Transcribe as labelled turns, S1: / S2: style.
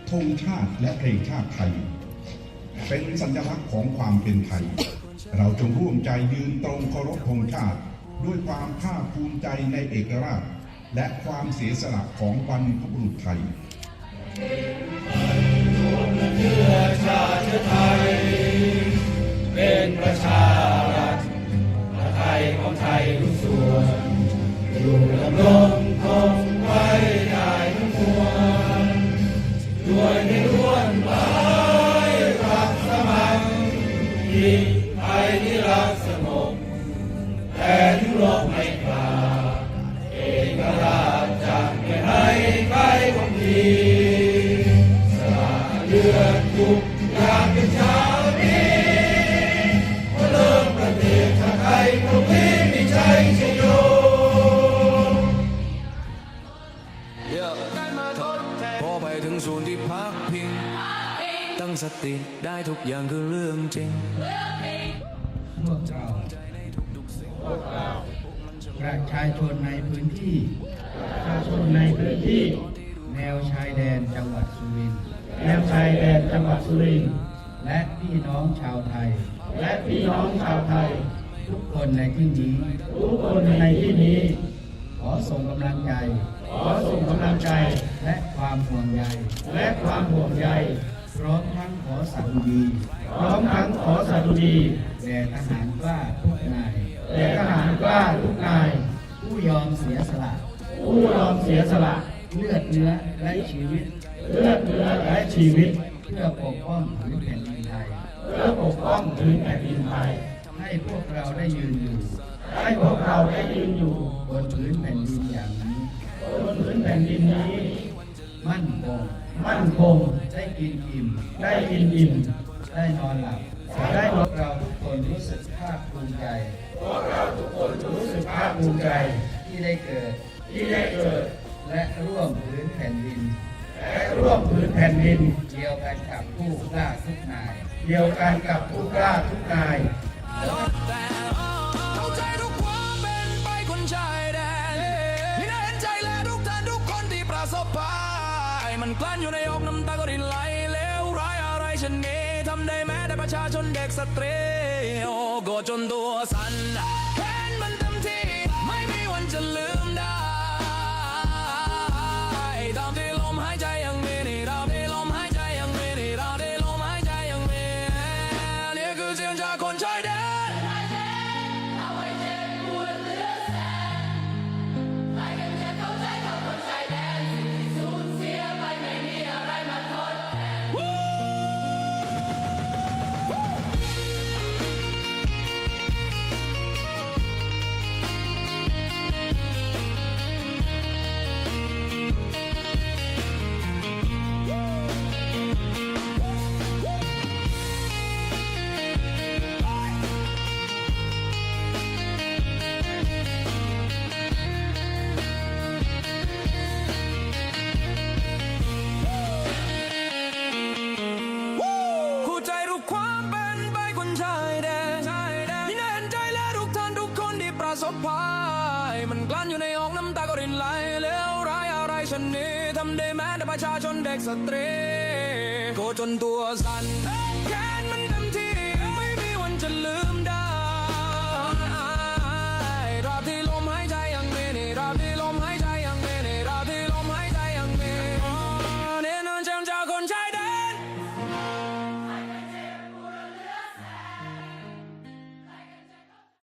S1: ธงชาติและเพลงชาติไทยเป็นสัญลักษณ์ของความเป็นไทยเราจงร่วมใจยืนตรงเคารพธงชาติด้วยความภาคภูมิใจในเอกราชและความเสียสละของบรรพบุรุษไทย
S2: เชื้อชาติไทยเป็นประชารัฐไทยของไทยทุกส่วนอยู่ดำรงคงไว้ได้ทั้งปวงด้วยในร่วนไม้รักสมัครยิ่งไทยที่รักสงบแต่ยุโรปไม่กล้าเอกราชจะไม่ให้ใครคนดีสละเลือดทุกอย่างเป็นชาวนี้เริ่มประเทศชาติไทยพวกนี้มีใจชโย
S3: พอไปถึงศูนย์ที่พักพิงตั้งสติได้ทุกอย่างคือเรื่องจริง
S4: พวกเราประชาชนในพื้นที่แนวชายแดนจังหวัดสุรินทร์และพี่น้องชาวไทยทุกคนในที่นี้ขอส่งกำลังใจและความห่วงใยพร้อมทั้งขอสดุดีแด่ทหารกล้าทุกนายผู้ยอมเสียสละเลือดเนื้อและชีวิตเพื่อปกป้องผืนแผ่นดินไทยให้พวกเราได้ยืนอยู่บนผืนแผ่นดินอย่างนี้มั่นคงได้กินอิ่มได้นอนหลับเราทุกคนรู้สึกภาคภูมิใจที่ได้เกิดและร่วมผืนแผ่นดินเดียวกันกับผู้กล้าทุกนาย
S3: เข้าใจทุกความเป็นไปคนชายแดนนี่น่าเห็นใจและทุกท่านทุกคนที่ประสบภัยมันกลั้นอยู่ในอกน้ำตาก็รินไหลเลวร้ายอะไรชนนี้ทำได้แม้แต่ประชาชนเด็กสตรีโอ้โกรธจนตัวสั่นแค้นมันเต็มที่ไม่มีวันจะลืมได้ตามที่ลมหายใจยังมีนี่ตามที่ลมหายใจยังมีนี่ตามที่ลมหายใจยังมีนี่คือเสียงจากคนชายแดนความเป็นไปคนชายแดนนี่น่าเห็นใจและทุกท่านทุกคนที่ประสบภัยมันกลั้นอยู่ในอกน้ำตาก็รินไหลเลวร้ายอะไรชนนี้ทำได้แม้แต่ประชาชนเด็กสตรีโกรธจนตัวสั่นแค้นมันเต็มที่ไม่มีวันจะลืม